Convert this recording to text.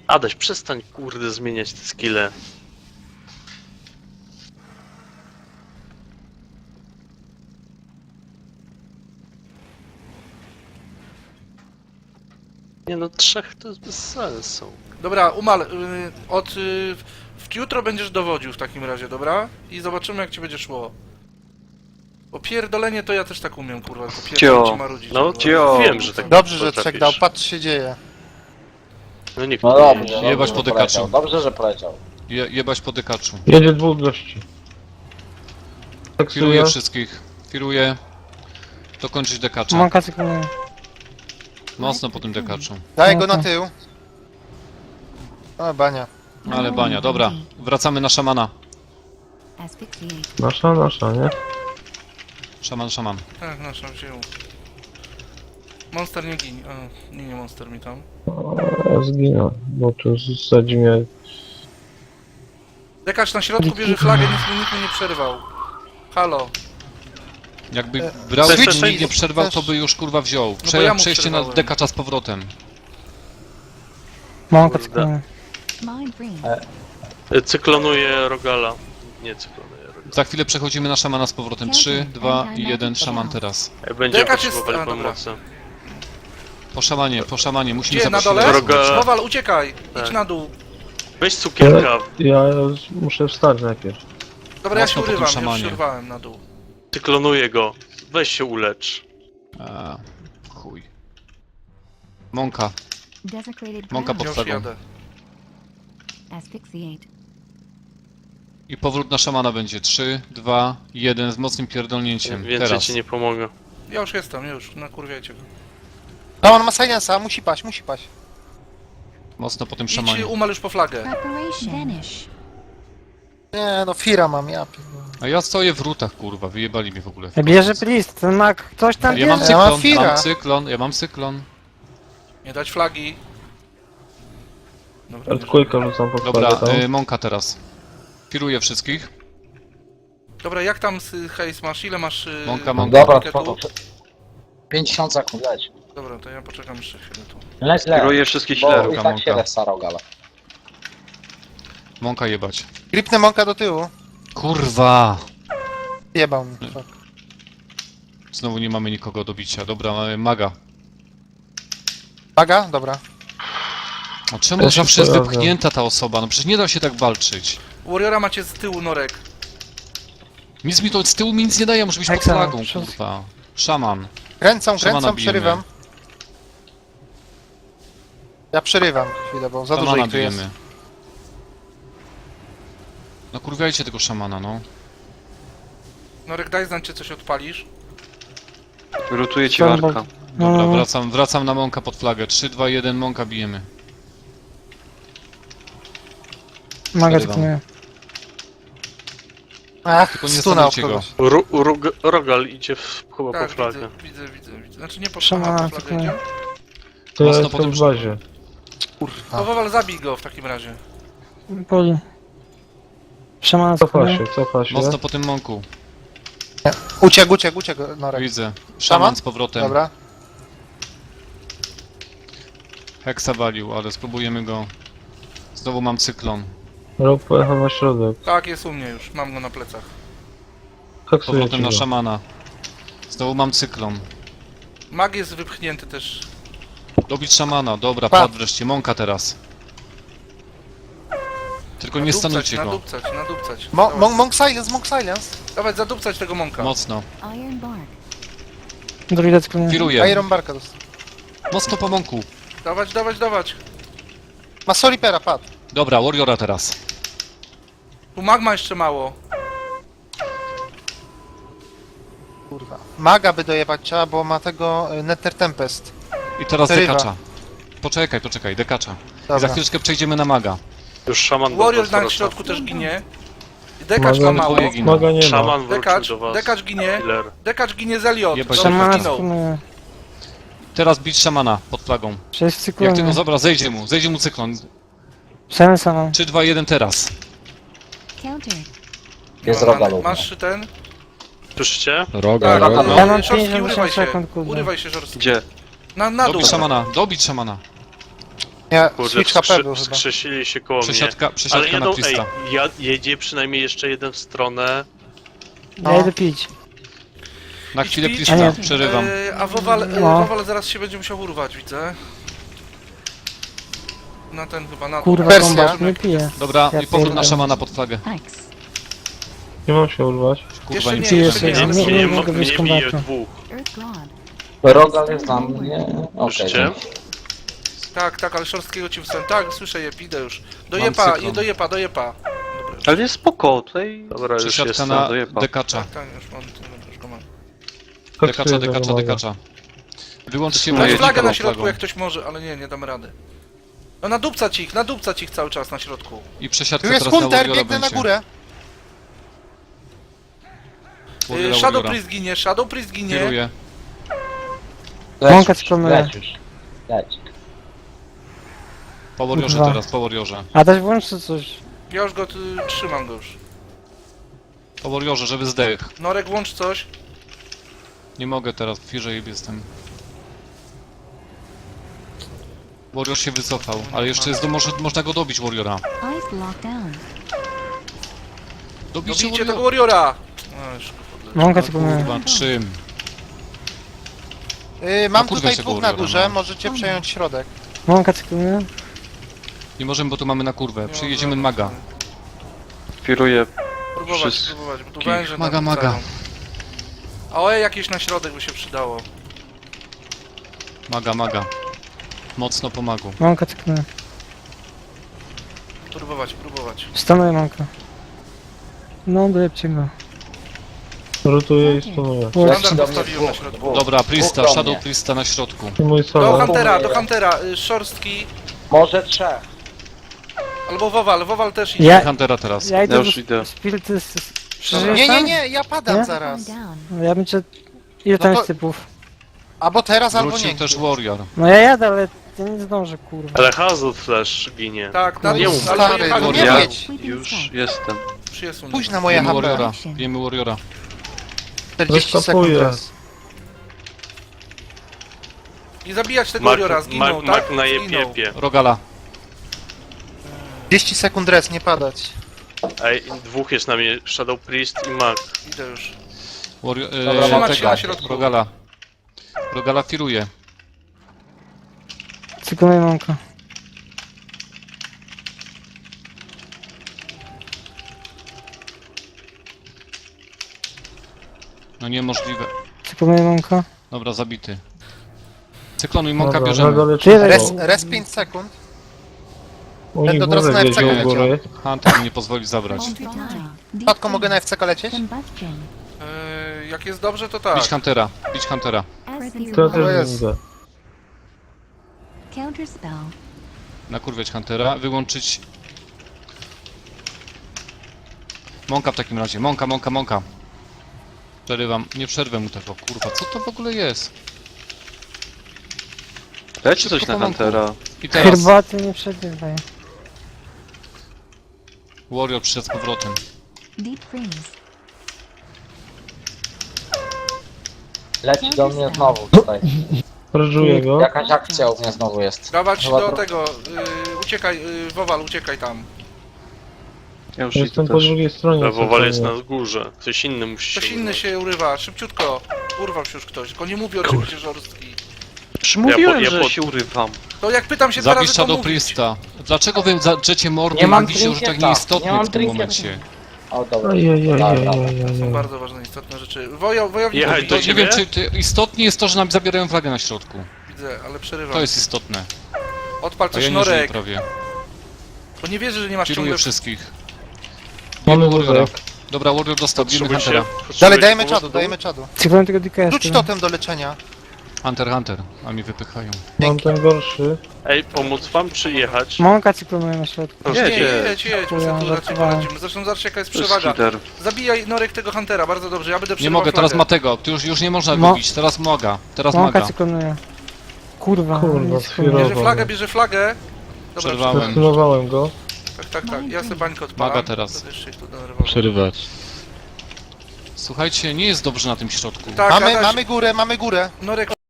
Adaś, przestań kurde zmieniać te skille. Nie no, 3 to jest bez sensu. Dobra, Umal, jutro będziesz dowodził w takim razie, dobra? I zobaczymy, jak ci będzie szło. Bo pierdolenie to ja też tak umiem, kurwa, tylko pierdolenie ci marudzić. No, kurwa. wiem, że tak Dobrze, że potrafisz. trzech dał, patrz co się dzieje. No nikt No nie dobrze, jedzie. Jebać dobrze, po że dykaczu. poleciał. Dobrze, że poleciał. Jebać po dykaczu. Jedzie 2 gości. Tak Firuję wszystkich. Firuję. Dokończyć dekacza. Mąka cykluje. Mocno po tym dekaczu. Daj go na tył. O, bania. Ale bania, dobra. Wracamy na szamana. Nasza, nie? Szaman. Tak, naszą wziął. Monster nie ginie. Nie monster mi tam. Ja zginę, bo tu zasadzi mnie... Dekacz na środku bierze flagę, nikt mu nie przerwał. Halo. Jakby brał Switch i nie przerwał, to by już kurwa wziął. bo ja mu Przejście na przerwałem. dekacza z powrotem. Mąka Kurde. cykluje. Cyklonuje Rogala. Nie cyklonuje Rogala. Za chwilę przechodzimy na szamana z powrotem. 3, 2 i 1, szaman teraz. Będziemy Dekacz jest- potrzebowali dobra. pomocy. Po szamanie, musimy Gdzie, na zaprosić dole? Droga- Mowal, uciekaj! Tak. Idź na dół. Weź cukierka, Ja muszę wstać najpierw. Dobra, ja się Mocno po tym urywam, już szamanie. się urwałem na dół. cyklonuje go. Weź się ulecz. Chuj. Mąka. Mąka pod Już flagą. jadę. I powrót na szamana będzie. 3, 2, 1 z mocnym pierdolnięciem. Więcej Teraz. ci nie pomogę. Ja już jestem, nakurwiajcie go. No on ma silensa, musi paść. Mocno po tym Idź szamanie. Umal już po flagę. Nie no, Fira mam, ja pierdolę. A ja stoję w rutach, kurwa. Wyjebali mnie w ogóle. Bierze plist, ten mak, ktoś tam Ja mam bierze. Ja mam cyklon, Fira. mam cyklon. Nie dać flagi. Dobra, nie Earthquake'a rzucam pod Dobra, flagę tam. Mąka teraz. Firuję wszystkich. Dobra, jak tam hejs masz? Ile masz? Mąka. Dobra, paketu? spoko. 50 sekund, leć. Dobra, to ja poczekam jeszcze chwilę tu. Leć. Kieruję wszystkich Bo healerów. i tak Mąka. się lech Sarogala. Mąka jebać. Gripnę mąka do tyłu. Kurwa! Jebał mi. Fuck. Znowu nie mamy nikogo do bicia. Dobra, mamy maga. Baga? Dobra. A czemu Ja się zawsze jest pojawiam. wypchnięta ta osoba? No przecież nie da się tak walczyć. Warriora macie z tyłu, Norek. Nic mi to z tyłu mi nic nie daje, muszę być pod Hexa, flagą, przód. kurwa. Szaman. Kręcą, Szamana bijemy. przerywam. Ja przerywam chwilę, bo za dużo Szamana ich tu jest. bijemy. No kurwiajcie tego szamana, no. Norek, daj znać, czy coś odpalisz. Rutuje ci Dobra. warka. Dobra, wracam na Mąka pod flagę. 3, 2, 1, Mąka bijemy. Manga Przerywam. cykluje. Ach, Tylko nie stunał stanujcie go. kogoś. Rogal idzie chyba po Tak, flagę. widzę. Znaczy nie po Szamana flagę, po flagę cykluje. idzie? To ja Mocno jestem potem w bazie. To Wawal, zabij go w takim razie. Poli. Szamana cykluje. Cofa się. Mocno po tym Mąku. Uciekł, Norek. Widzę. Szaman? Szaman z powrotem. Dobra. Heksa walił, ale spróbujemy go. Znowu mam cyklon. Rok pojechał na środek. Tak, jest u mnie już, mam go na plecach. Kaksuję Powrotem ci na go. szamana. Znowu mam cyklon. Mag jest wypchnięty też. Dobić szamana, dobra, Pa. padł wreszcie. Mąka teraz. Tylko nie stanujcie go. Nadupcać. Monk silence. Dawaj, zadupcać tego mąka. Mocno. Druida cykluje. Firuję. Iron Barka dostał. Mocno po Mąku. Dawać. Ma Solipera, padł. Dobra, Warriora teraz. Tu magma jeszcze mało. Kurwa. Maga by dojebać trzeba, bo ma tego Nether Tempest. I teraz Przerywa. dekacza. Poczekaj, dekacza. I za Dobra. chwileczkę przejdziemy na maga. Już szaman do Warrior was na wraca. środku też ginie. Dekacz ma Maga- mało. dwoje giną. Maga nie ma. Szaman wrócił do was. Dekacz ginie. Healer. Dekacz ginie z Eliot. Jebać Dobrze, Szamana zginął. cykluje. Teraz bić szamana pod flagą. 6 Jak cykluje. tylko dobra, zejdzie mu cyklon. Silensa mam. 3, 2, 1 teraz. Jest Nie ma Rogal rany. u mnie. Masz ten? Słyszycie? Roga, Tak, roga. Ja mam Szorstki, 50 urywaj się. sekund, kurde. Urywaj się, Żorstki. Gdzie? Na dół. Dobić szamana. Nie, Kurde, switch HP był chyba. wskrzesili się koło mnie. Przesiadka, Ale przesiadka na jedą, Prista. jedzie przynajmniej jeszcze jeden w stronę. No. Ja idę pić. Na Idź chwilę pić. Prista, A nie. przerywam. A Wowal, No. Wowal zaraz się będzie musiał urwać, widzę. Na ten chyba, na Kurwa, Wersja. kombat, nie piję. Dobra, Ja i powrót na pierdolę. szamana pod flagę. Nie mam się urwać. Kurwa, Jeszcze im nie, przyjdzie. jeszcze nie, ale Nie, Nie, mogę wyjść z mnie bije kombatu. dwóch. Rogal jest na mnie. Okej. Słyszycie? Tak, ale Szorstkiego ci wstałem. Tak, słyszę je, idę już. Do Mam jepa, cyklon. do jepa. Dobra. Ale jest spoko, tutaj... Dobra, już Przesiadka jestem. na dojeba. dekacza. Tak, już mam, już go mam. Dekacza, dekacza, dekacza. Wyłączcie No, Dać jedź flagę na tą środku, flagą. jak ktoś może, ale nie dam rady. No nadupcać ich cały czas na środku. I przesiadka Tu jest teraz na Hunter, Warriora biegnę na będzie. górę. Warriora, Shadow Warriora. Priest ginie. Kieruję. Mąka sklonuje. Leć już. Leć. Po Warriorze Kurwa. teraz, po Warriorze. A też włączcie coś. Ja już go trzymam go już. Po Warriorze, żeby zdech. Norek, włącz coś. Nie mogę teraz, w firze jestem. Warrior się wycofał, ale jeszcze jest można go dobić, Warriora. Dobijcie Dobijcie tego Warriora. Warriora! No, już go Mąka sklonuje. Kurwa, czym? Mam kurwa tutaj się dwóch Warriora, na górze, no. możecie przejąć środek. Mąka sklonuje. Nie możemy, bo tu mamy na kurwę. Nie Przyjedziemy mam maga. żadnych. Kieruję Próbować, Wszystkich. bo tu węże Maga, nam maga. rzucają. A oje jakieś na środek by się przydało. Maga. Mocno pomagu. Mąka sklonuje. Próbować. Stanuje mąka. No, dojebcie go. Rotuję i stunuję. Standard do mnie postawiłem na dwóch, środku. dwóch. Dobra, Prista, Dwóch do Shadow mnie. Prista na środku. I mój Do solo. Huntera, Szorstki. Może trzech. Albo Wowal też idzie. Ja, Huntera teraz. ja idę Ja już do idę. Spirity. Nie, ja padam Nie? zaraz. Ja bym cię... Ile tam No to- jest typów? Albo teraz, albo Wrócił nie. też Warrior. No ja jadę, ale ja nie zdążę, kurwa. Ale Hazard Flash ginie. Tak, No ale nie ale mów. Stary, dojechali. no nie Ja jedź. już jestem. Przyjesuń. Pójdź na moje Bijemy HP. Warriora. Bijemy Warriora. 40 sekund Rozkapuję. teraz. I zabijać tego Mag, Warriora, zginął, mag, tak? mag na Zginął. jepie. Rogala. 30 sekund res, nie padać. Ej, dwóch jest na mnie. Shadow Priest i mag. Idę już. Warrior, Dobra, trzymać się tego, na środku. Rogala. Rogala firuje. Cyklonuje mąka. No niemożliwe. Cyklonuje mąka. Dobra, zabity. Cyklonu i Monka Dobra, bierzemy. nagle leci Tyle. Res 5 sekund. U nich Będę teraz górę na wiedzie FCK u góry. Hunter mi nie pozwoli zabrać. Patko, mogę na FCK lecieć? Jak jest dobrze, to tak. Bić Huntera, bić Huntera. To ja To też jest. widzę. Nakurwiać Huntera, wyłączyć... Monka w takim razie, Monka. Przerywam, nie przerwę mu tego, kurwa, co to w ogóle jest? Dajcie coś na Huntera. I teraz Herbaty nie przegrywaj. Warrior przyszedł z powrotem. Leci do mnie znowu tutaj. Prożuję go. Jakaś akcja u mnie znowu jest. Dawać Chyba do to- tego, uciekaj, Wowal, uciekaj tam. Ja już idę Jestem po też. drugiej stronie. Wowal jest spokojnie. na górze. Ktoś inny musi Ktoś się inny użyć. się urywa, szybciutko. Urwał się już ktoś, tylko nie mówi oczywiście Żorstki. Już mówiłem, ja że pod- się urywam. To jak pytam się dwa Zabij razy, to Shadow mówić. Priesta. Dlaczego wy drzecie mordy Nie i mam mówicie o rzeczach trinketa. nieistotnych Nie mam w tym trinketa. momencie? O, dobra. Dobra. To są Ojej. bardzo ważne, istotne rzeczy. Wojownik Jechać mówi, do To nie ciebie? wiem, czy istotnie jest to, że nam zabierają flagę na środku. widzę, ale przerywam. To jest istotne. Odpal A coś ja nie żyję Norek, prawie. bo nie wierzę, że nie masz Kieruję ciągle... wszystkich. Mamy Bijemy Warriora. wózek. Dobra, Warrior dostał, bijemy Potrzebujecie... Huntera. Dalej, dajemy czadu, dajemy czadu. Cyklonuje tego DKS. Rzuć totem do leczenia. Hunter, a mi wypychają. Mam ten gorszy. Ej, pomóc wam czy jechać? Mąka cyklonuje na środku. Nie, Jedzie. jedź, my sobie tu raczej poradzimy. Zresztą zobaczcie jaka jest To jest przewaga. lider. Zabijaj Norek tego Huntera, bardzo dobrze, ja będę Nie przerywał mogę, teraz flagę. ma tego. Ty już nie można No. go bić. Teraz Maga. Teraz Mąka Maga. cyklonuje. Kurwa. Kurwa, nie sfirował. Bierze flagę. Dobra, Przerwałem. Zastosowałem go. tak, ja sobie bańkę odpalam. Maga teraz. Będę jeszcze ich tu denerwował. Przerywać. Słuchajcie, nie jest dobrze na tym środku. Tak, Mamy, Adaś, mamy górę. Norek